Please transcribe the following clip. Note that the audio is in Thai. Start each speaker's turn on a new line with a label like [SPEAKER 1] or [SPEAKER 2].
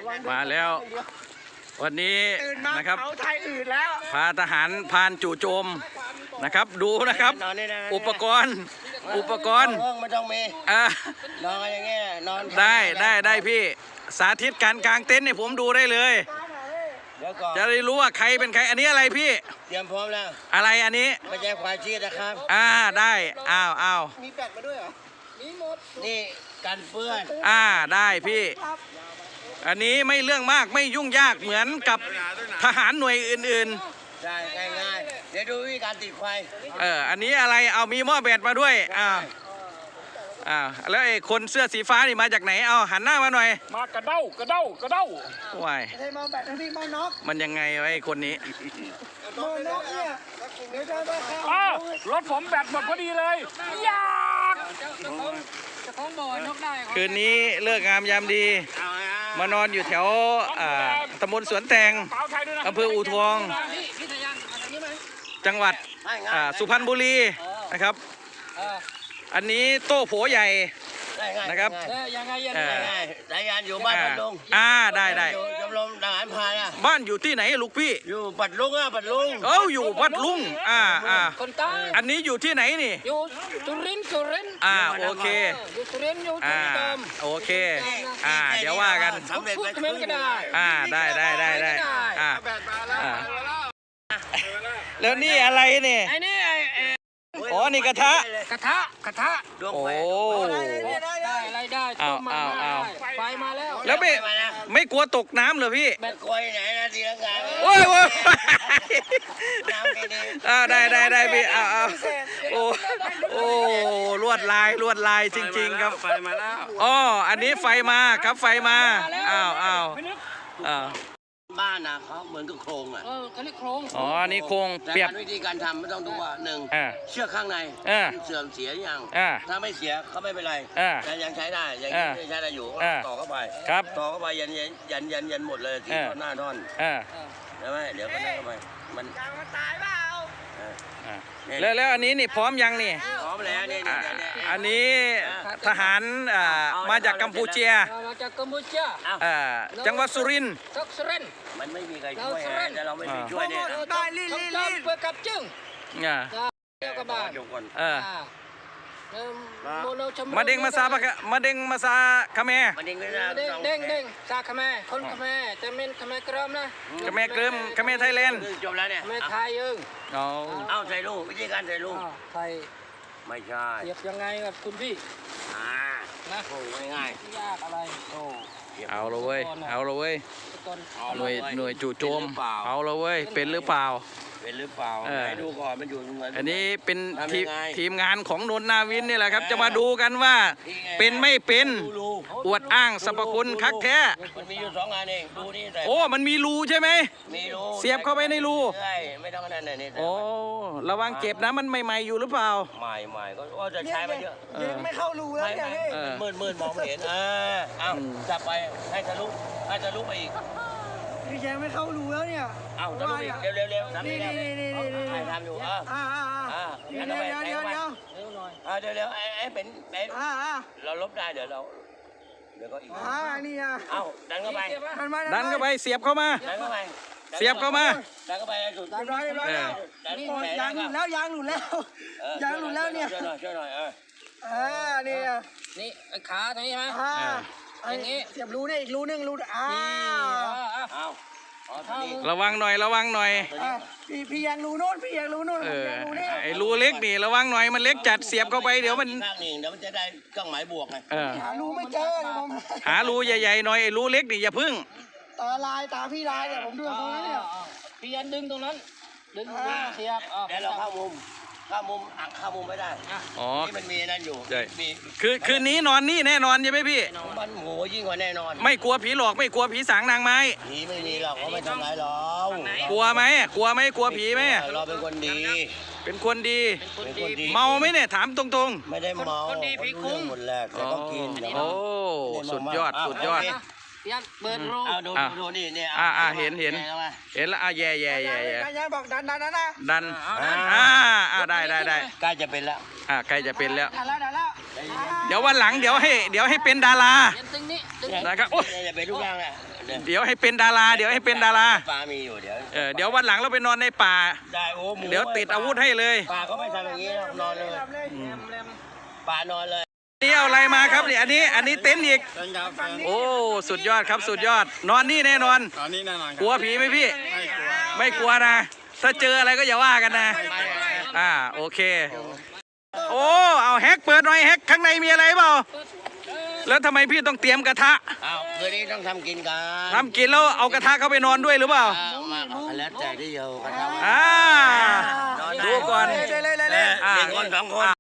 [SPEAKER 1] มาแล้ววันนี้นะครับพาทหารพานจู่โจมนะครับดูนะครับอุปกรณ์
[SPEAKER 2] ไม่ต้องมีนอนอย่างเงี้ยนอน
[SPEAKER 1] ได้พี่สาธิตการกางเต็นท์ให้ผมดูได้เลยจะได้รู้ว่าใครเป็นใครอันนี้อะไรพี่
[SPEAKER 2] เตรียมพร้อมแล้ว
[SPEAKER 1] อะไรอันนี้
[SPEAKER 2] ไม่ใช่ควายชีสนะครับ
[SPEAKER 1] ได้อ้าว
[SPEAKER 2] มีแบตมาด้วยเหรอมีหมดนี่กันเปื้อน
[SPEAKER 1] ได้พี่อันนี้ไม่เรื่องมากไม่ยุ่งยากเหมือนกับทหารหน่วยอื่น
[SPEAKER 2] ๆใช่ง่ายๆเดี๋ยวดูวิธีการติดไฟ
[SPEAKER 1] อันนี้อะไรเอามีหม้อแบตมาด้วยแล้วไอ้คนเสื้อสีฟ้านี่มาจากไหนเอาหันหน้ามาหน่อย
[SPEAKER 3] มากระเด้
[SPEAKER 1] ว้าย
[SPEAKER 2] มาแบตนะพี่มานก
[SPEAKER 1] มันยังไงวะไอ้คนนี้
[SPEAKER 2] มานกเนี่ย
[SPEAKER 3] รถผมแบตหมดพอดีเลยยาก
[SPEAKER 4] จะคล้องบ่อนกได้
[SPEAKER 1] คืนนี้เลิกงามยามดีมานอนอยู่แถวตำบลสวนแตงอำเภออู่ทองจังหวัดสุพรรณบุรีนะครับอันนี้โต้โผใหญ่นะครับ
[SPEAKER 2] ยังไงสายงานอยู่บ้านปัดลุง
[SPEAKER 1] ได้
[SPEAKER 2] ชมรมทหารพราน
[SPEAKER 1] บ้านอยู่ที่ไหนลูกพี่
[SPEAKER 2] อยู่ปัดลุง
[SPEAKER 1] อยู่ปัดลุง
[SPEAKER 4] คนใต้
[SPEAKER 1] อันนี้อยู่ที่ไหนนี่
[SPEAKER 4] อยู่สุรินทร์
[SPEAKER 1] โอเค
[SPEAKER 4] อยู่สุรินทร์อยู่เติม
[SPEAKER 1] โอเคเดี๋ยวว่ากัน
[SPEAKER 4] พูดเหมือนกัน
[SPEAKER 1] ได้แล้วนี่อะไรเนี่ย
[SPEAKER 4] ไอ้นี่
[SPEAKER 1] อ๋อนี่กระทะ
[SPEAKER 4] โอ้ได้ต้มมาไฟมา
[SPEAKER 1] แล้วไม่กลัวตกน้ำเหรอพี่
[SPEAKER 2] ไม่กลัวไหนนะทีละงาน
[SPEAKER 1] โอ้ยได้พี่โอ้ลวดลายจริงๆครับ
[SPEAKER 3] ไฟมาแล้ว
[SPEAKER 1] อันนี้ไฟมาครับไฟมา
[SPEAKER 2] บ้านนะเขาเหมือนกับโครง
[SPEAKER 4] เขาเรียกโครง
[SPEAKER 1] นี่โครงเปรียบ
[SPEAKER 2] วิธีการทำไม่ต้องดูว่าหนึ่งเชือกข้างในเสื่อมเสียยังถ้าไม่เสียเขาไม่เป็นไรยังใช้ได้ยังใช้ได้อยู่ต่อเข้าไปต่อเข้าไปยันหมดเลยที่หน้าท่อนใช่ไหมเดี๋ยวก็นั่งเข้าไปมัน
[SPEAKER 4] ตายเปล่า
[SPEAKER 1] แล้วอันนี้นี่พร้อมยังนี่
[SPEAKER 2] พร้อมแล้วนี่
[SPEAKER 1] อันนี้ทหารมาจากกัมพูชาจังหวัดสุรินทร์
[SPEAKER 2] มันไม่มีใครช่วยแต่เราไม่มีช่วยเนี่ย
[SPEAKER 4] ได้ลิ้นเพื่อกับจึงเจ้ากระบาด
[SPEAKER 1] มาเด้งมาซาคาเม
[SPEAKER 4] เด้งซาคาเมคนคาเมแต่เมนคาเมเกริมนะ
[SPEAKER 1] คาเมเกริมคาเมไทยแลนด์
[SPEAKER 2] จบแล้วเนี่ย
[SPEAKER 4] คาเมไทย
[SPEAKER 2] เอาใส่ลูกวิธีการใส่ลูก
[SPEAKER 4] ไทย
[SPEAKER 2] ไม่ใช่
[SPEAKER 4] เสียบยังไงกับคุณพี่
[SPEAKER 2] นะโอ้ง่าย
[SPEAKER 4] ยากอะไร
[SPEAKER 1] เอาเลยเว้ยหน่วยจู่โจมเอาเลยเว้ยเป็นหรือเปล่า
[SPEAKER 2] ให้ดูก่อนมันอยู่เหมือน
[SPEAKER 1] อันนี้เป็นทีมงานของนนท์นาวินนี่แหละครับจะมาดูกันว่าเป็นไม่เป็นอวดอ้างสรรพคุณคักแท้
[SPEAKER 2] มันมีอยู่2 งานเองดูนี่
[SPEAKER 1] มันมีรูใช่ไหม
[SPEAKER 2] มีรู
[SPEAKER 1] เสียบเข้าไปในรู
[SPEAKER 2] ไม่ต้องนั่นนี่
[SPEAKER 1] ระวังเจ็บนะมันใหม่ๆอยู่หรือเปล่า
[SPEAKER 2] ใหม่ก็จะใช้มาเยอะ
[SPEAKER 4] ไม่เข้ารูแล้วเนี่ย
[SPEAKER 2] มืดมองไม่เห็นเอาจับไปให้ทะลุไปอีก
[SPEAKER 4] พี่แจงไม่เข้ารูแล้วเนี่ย
[SPEAKER 2] ทะลุอีกเร็วทำนี่ทำอยู่เดี๋ยวไอ้เป็นเราลบได้เดี๋ยวก็อีก
[SPEAKER 4] นี่
[SPEAKER 2] ดันเข้า
[SPEAKER 1] ไปเสียบเข้ามาเสียบเข้ามา
[SPEAKER 2] ดันเข้าไปสุด
[SPEAKER 4] ยางหลุดแล้วเนี่ย
[SPEAKER 2] ช่วยหน่อย
[SPEAKER 4] นี่ขาตรงนี้ใช่ไหมอย่างนี้เสียบรูนี่อีกรูนึง
[SPEAKER 1] ระวังหน่อย
[SPEAKER 4] พี่ยังรูโน่น
[SPEAKER 1] ไอ้รูเล็กนี่ระวังหน่อยมันเล็กจัดเสียบเข้าไปเดี๋ยวมัน
[SPEAKER 2] จะได้เครื่องหมายบวกไง
[SPEAKER 4] หารูไม่เจอ
[SPEAKER 1] หารูใหญ่ๆหน่อยไอ้รูเล็กนี่อย่าพึ่ง
[SPEAKER 4] ตาพี่ลายเนี่ยผมดูตรงนั้นเนี่ยพี่ยันดึงตรงนั้นดึงเสียบ
[SPEAKER 2] เดี๋ยวเราเข้ามุมไม่ได้นี่มันมีนั่นอยู่
[SPEAKER 1] คืนนี้นอนนี่แน่นอนใช่ไหมพี่
[SPEAKER 2] มันโหยิ่งกว่าแน่นอน
[SPEAKER 1] ไม่กลัวผีหลอกไม่กลัวผีสางนางไม้
[SPEAKER 2] ผีไม่มีหรอกเขาไม่ทำร้ายเรา
[SPEAKER 1] กลัวไหมกลัวผีไหม
[SPEAKER 2] เราเป็นคนดี
[SPEAKER 1] เมาไหมเนี่ยถามตรง
[SPEAKER 2] ๆไม่ได้เมา
[SPEAKER 4] คนดีผีคุ้ม
[SPEAKER 2] หมดแรกแต่ต้องกิน
[SPEAKER 1] สุดยอด
[SPEAKER 4] ยันเปิดรู
[SPEAKER 2] ดูนี่เนี่ย
[SPEAKER 1] เห็นแล้วแย่
[SPEAKER 4] บอกดันนะ
[SPEAKER 1] ได้
[SPEAKER 2] ใกล้จะเป็นแล้ว
[SPEAKER 4] ดันแล้ว
[SPEAKER 1] เดี๋ยววันหลังเดี๋ยวให้เป็นดารานะครับโอ้ย
[SPEAKER 2] อย่าไปทุกอย่างแหละ
[SPEAKER 1] เดี๋ยวให้เป็นดาราเดี๋ยวให้เป็นดารา
[SPEAKER 2] ปลามีอยู่เดี๋ยว
[SPEAKER 1] เดี๋ยววันหลังเราไปนอนในป่า
[SPEAKER 2] ได้โอ้หมู
[SPEAKER 1] เดี๋ยวติดอาวุธให้เลย
[SPEAKER 2] ปลาก็ไม่ทำอย่างนี้หรอกนอนเลยปลานอนเลย
[SPEAKER 1] นี่เอาอะไรมาครับนี่อันนี้เต็นท์อีกโอ้สุดยอดครับสุดยอดนอนนี่แน่นอน
[SPEAKER 3] ตอนนี้แน่นอน
[SPEAKER 1] กลัวผีไหมพี่
[SPEAKER 3] ไม่กลัว
[SPEAKER 1] ไม่กลัวนะ ถ้าเจออะไรก็อย่าว่ากันนะโอเคโอ้เอาแฮกเปิดหน่อยแฮกข้างในมีอะไรเปล่าแล้วทำไมพี่ต้องเตรียมกระทะ
[SPEAKER 2] อ้าวคืนนี้ต้องทำกินกัน
[SPEAKER 1] ทำกินแล้วเอากระทะเข้าไปนอนด้วยหรือเปล่า
[SPEAKER 2] มาแล้วแต่ที่เดียวกันครับ
[SPEAKER 1] ดูก่อน
[SPEAKER 2] 1 คน 2 คน